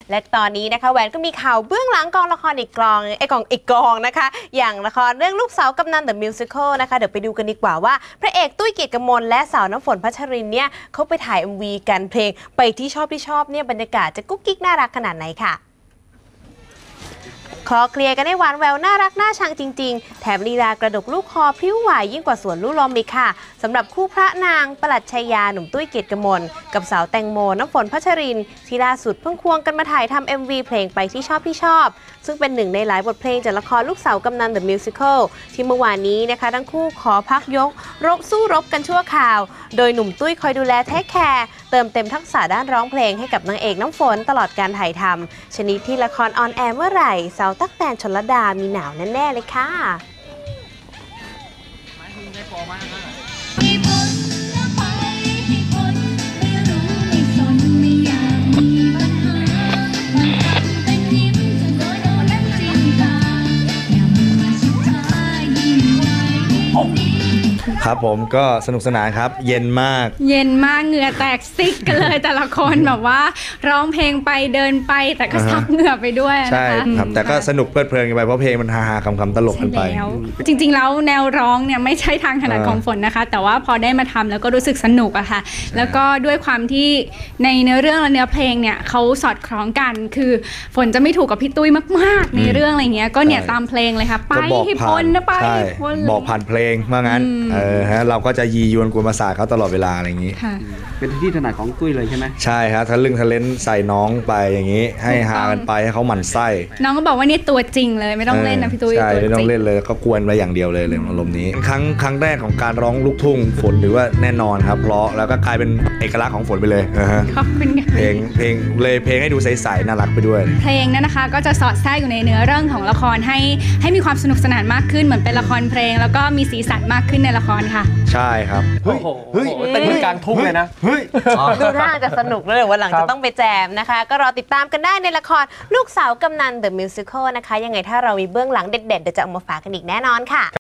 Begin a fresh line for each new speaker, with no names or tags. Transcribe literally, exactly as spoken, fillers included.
และตอนนี้นะคะแหวนก็มีข่าวเบื้องหลังกองละครอีกกองไอ้กองอีกกองนะคะอย่างละครเรื่องลูกสาวกำนัน The Musical นะคะเดี๋ยวไปดูกันดีกว่าว่าพระเอกตุ้ยเกียรติกมลและสาวน้ำฝนพัชรินเนี่ยเขาไปถ่าย เอ็ม วี กันเพลงไปที่ชอบที่ชอบเนี่ยบรรยากาศจะกุ๊กกิ๊กน่ารักขนาดไหนค่ะคลอเคลียร์กันได้หวานแววน่ารักน่าชังจริงๆแถมลีลากระดกลูกคอพริ้วไหวยิ่งกว่าสวนลูกลมอีกค่ะสำหรับคู่พระนางประหลัดชัยยาหนุ่มตุ้ยเกียรติกมลกับสาวแตงโมน้ำฝนพัชรินที่ล่าสุดเพิ่งควงกันมาถ่ายทำ เอ็ม วี เพลงไปที่ชอบที่ชอบซึ่งเป็นหนึ่งในหลายบทเพลงจากละครลูกสาวกำนัน The Musical ที่เมื่อวานนี้นะคะทั้งคู่ขอพักยกรบสู้รบกันชั่วคราวโดยหนุ่มตุ้ยคอยดูแลเทคแคร์เติมเต็มทักษะด้านร้องเพลงให้กับนางเอกน้ำฝนตลอดการถ่ายทำชนิดที่ละครออนแอร์เมื่อไหร่สาวตั๊กแตนชลดามีหนาวแน่ๆเลยค่ะ
ครับผมก็สนุกสนานครับเย็นมาก
เย็นมากเหงื่อแตกซิกกันเลยแต่ละคนแบบว่าร้องเพลงไปเดินไปแต่ก็ซับเหงื่อไปด้วยนะคะ
ใช่ครับแต่ก็สนุกเพลิดเพลินกันไปเพราะเพลงมันฮาๆคำๆตลกกันไป
จริงๆแล้วแนวร้องเนี่ยไม่ใช่ทางถนัดของฝนนะคะแต่ว่าพอได้มาทำแล้วก็รู้สึกสนุกอะค่ะแล้วก็ด้วยความที่ในเนื้อเรื่องและเนื้อเพลงเนี่ยเขาสอดคล้องกันคือฝนจะไม่ถูกกับพี่ตุ้ยมากๆในเรื่องอะไรเงี้ยก็เนี่ยตามเพลงเลยค่ะไปให้พ้นนะไปพ้น
บอกผ่านเพลงว่างั้นเออฮะเราก็จะยียวนกวนประสาทเขาตลอดเวลาอะไรอย่างนี้
เป็นที่ถนัดของตุ้ยเลยใช่ไหม
ใช่ครับทะลึ่งทะเลนใส่น้องไปอย่างนี้ให้ฮากันไปให้เขาหมั่นไส้
น้องก็บอกว่านี่ตัวจริงเลยไม่ต้องเล่นนะพี่ตุ้ย
ใช่ไม่ต้องเล่นเลยก็กวนไปอย่างเดียวเลยเลยอารมณ์นี้ครั้งครั้งแรกของการร้องลูกทุ่งฝนถือว่าแน่นอนครับเพราะแล้วก็กลายเป็นเอกลักษณ์ของฝนไปเลย
ขอบคุณค่ะ
เพลงเพลงเลยเพลงให้ดูใสๆน่ารักไปด้วย
เพลงนั้นนะคะก็จะสอดแทรกอยู่ในเนื้อเรื่องของละครให้ให้มีความสนุกสนานมากขึ้นเหมือนเป็นละครเพลงแล้วก็มีสีสันมากขึ้นในละครค่ะ
ใช่ครับ
เฮ้ยเฮ้ยเต้นกลางทุ่งเลยนะ
เฮ้ยดูท่าจะสนุกเลยวันหลังจะต้องไปแจมนะคะก็รอติดตามกันได้ในละครลูกสาวกำนัน The Musical นะคะยังไงถ้าเรามีเบื้องหลังเด็ดๆเดี๋ยวจะเอามาฝากกันอีกแน่นอนค่ะ